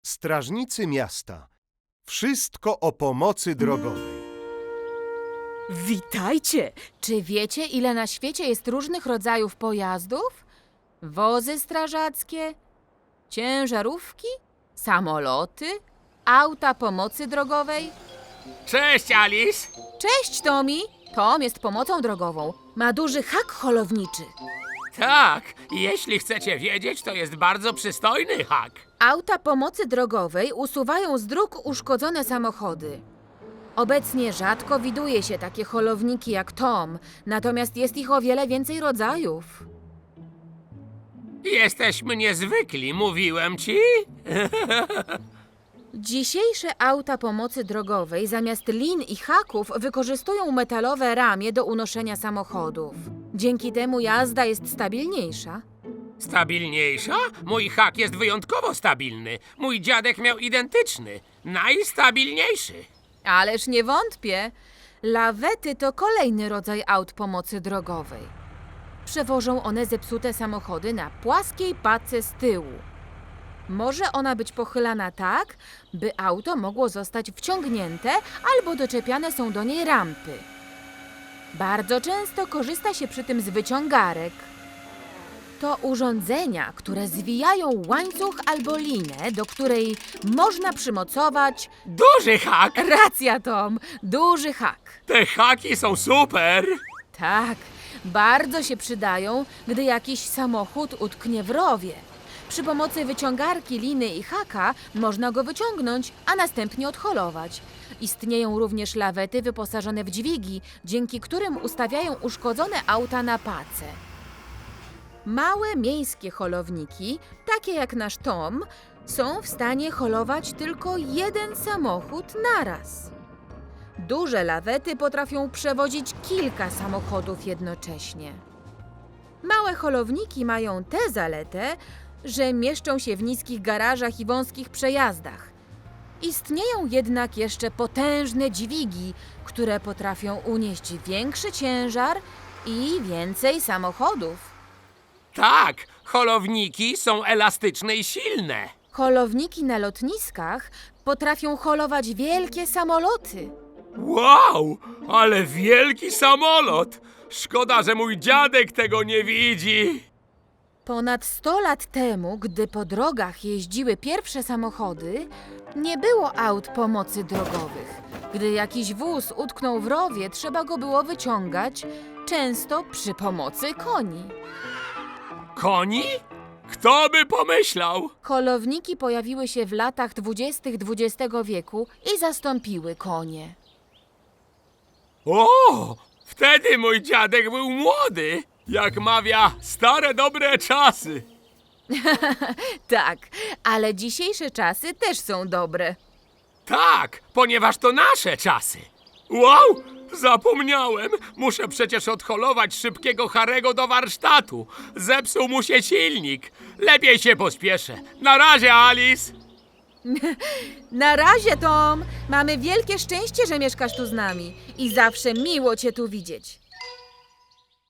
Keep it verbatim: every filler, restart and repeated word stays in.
Strażnicy miasta. Wszystko o pomocy drogowej. Witajcie! Czy wiecie, ile na świecie jest różnych rodzajów pojazdów? Wozy strażackie, ciężarówki, samoloty, auta pomocy drogowej. Cześć, Alice! Cześć, Tommy! Tom jest pomocą drogową. Ma duży hak holowniczy. Tak, jeśli chcecie wiedzieć, to jest bardzo przystojny hak. Auta pomocy drogowej usuwają z dróg uszkodzone samochody. Obecnie rzadko widuje się takie holowniki jak Tom, natomiast jest ich o wiele więcej rodzajów. Jesteśmy niezwykli, mówiłem ci? Dzisiejsze auta pomocy drogowej zamiast lin i haków wykorzystują metalowe ramię do unoszenia samochodów. Dzięki temu jazda jest stabilniejsza. Stabilniejsza? Mój hak jest wyjątkowo stabilny. Mój dziadek miał identyczny. Najstabilniejszy. Ależ nie wątpię. Lawety to kolejny rodzaj aut pomocy drogowej. Przewożą one zepsute samochody na płaskiej pace z tyłu. Może ona być pochylana tak, by auto mogło zostać wciągnięte albo doczepiane są do niej rampy. Bardzo często korzysta się przy tym z wyciągarek. To urządzenia, które zwijają łańcuch albo linę, do której można przymocować... Duży hak! Racja, Tom! Duży hak. Te haki są super! Tak, bardzo się przydają, gdy jakiś samochód utknie w rowie. Przy pomocy wyciągarki, liny i haka można go wyciągnąć, a następnie odholować. Istnieją również lawety wyposażone w dźwigi, dzięki którym ustawiają uszkodzone auta na pace. Małe miejskie holowniki, takie jak nasz Tom, są w stanie holować tylko jeden samochód naraz. Duże lawety potrafią przewozić kilka samochodów jednocześnie. Małe holowniki mają tę zaletę, że mieszczą się w niskich garażach i wąskich przejazdach. Istnieją jednak jeszcze potężne dźwigi, które potrafią unieść większy ciężar i więcej samochodów. Tak, holowniki są elastyczne i silne. Holowniki na lotniskach potrafią holować wielkie samoloty. Wow, ale wielki samolot! Szkoda, że mój dziadek tego nie widzi. Ponad sto lat temu, gdy po drogach jeździły pierwsze samochody, nie było aut pomocy drogowych. Gdy jakiś wóz utknął w rowie, trzeba go było wyciągać, często przy pomocy koni. Koni? Kto by pomyślał? Holowniki pojawiły się w latach dwudziestych dwudziestego wieku i zastąpiły konie. O, wtedy mój dziadek był młody. Jak mawia, stare dobre czasy. Tak, ale dzisiejsze czasy też są dobre. Tak, ponieważ to nasze czasy. Wow, zapomniałem. Muszę przecież odholować szybkiego Harego do warsztatu. Zepsuł mu się silnik. Lepiej się pospieszę. Na razie, Alice. Na razie, Tom! Mamy wielkie szczęście, że mieszkasz tu z nami i zawsze miło cię tu widzieć.